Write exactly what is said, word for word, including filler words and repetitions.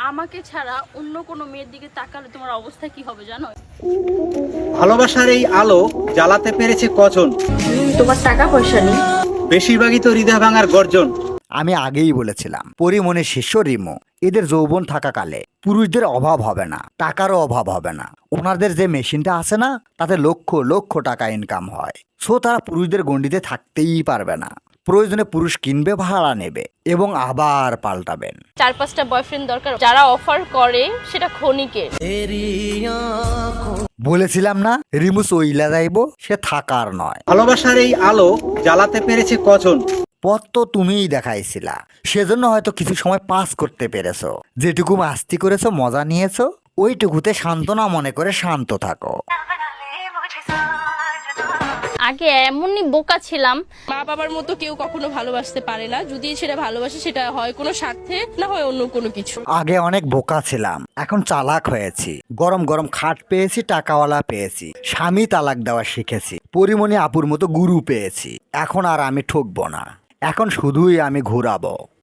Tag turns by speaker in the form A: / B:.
A: আমাকে ছাড়া অন্য কোনো মেয়ের দিকে তাকালে তোমার অবস্থা কি হবে জানো?
B: ভালোবাসার এই আলো জ্বালাতে পেরেছে কজন?
A: তোমার টাকা পয়সা নেই।
B: বেশিরভাগই তো হৃদয় ভাঙার গর্জন।
C: আমি আগেই বলেছিলাম পরিমণের শিষ্য রিমো এদের যৌবন থাকাকালে পুরুষদের অভাব হবে না, টাকারও অভাব হবে না। ওনাদের যে মেশিনটা আছে না, তাতে লক্ষ লক্ষ টাকা ইনকাম হয়। সো তারা পুরুষদের গণ্ডিতে থাকতেই পারবে না। প্রয়োজনে পুরুষ কিনবে, ভাড়া নেবে এবং আবার পাল্টাবেন।
A: চার পাঁচটা বয়ফ্রেন্ড দরকার, যারা অফার করে সেটা ক্ষণিকের।
C: বলেছিলাম না রিমু চইলা যাইব, সে থাকার নয়।
B: ভালোবাসার এই আলো জ্বালাতে পেরেছে কজন?
C: পথ তো তুমিই দেখাইছিলা, সেজন্য হয়তো কিছু সময় পাস করতে পেরেছো। যেটুকু মাস্তি করেছো, মজা নিয়েছো, ওইটুকুতে সান্ত্বনা মনে করে শান্ত থাকো।
A: আগে এমনই বোকা ছিলাম।
D: মা বাবার মতো কেউ কখনো ভালোবাসতে পারে না। যদি সেটা ভালোবাসে, সেটা হয় কোনো স্বার্থে, না হয় অন্য কোনো কিছু।
C: আগে অনেক বোকা ছিলাম, এখন চালাক হয়েছি। গরম গরম খাট পেয়েছি, টাকাওয়ালা পেয়েছি, স্বামী তালাক দেওয়া শিখেছি, পরিমণি আপুর মতো গুরু পেয়েছি। এখন আর আমি ঠকবো না, এখন শুধুই আমি ঘুরাবো।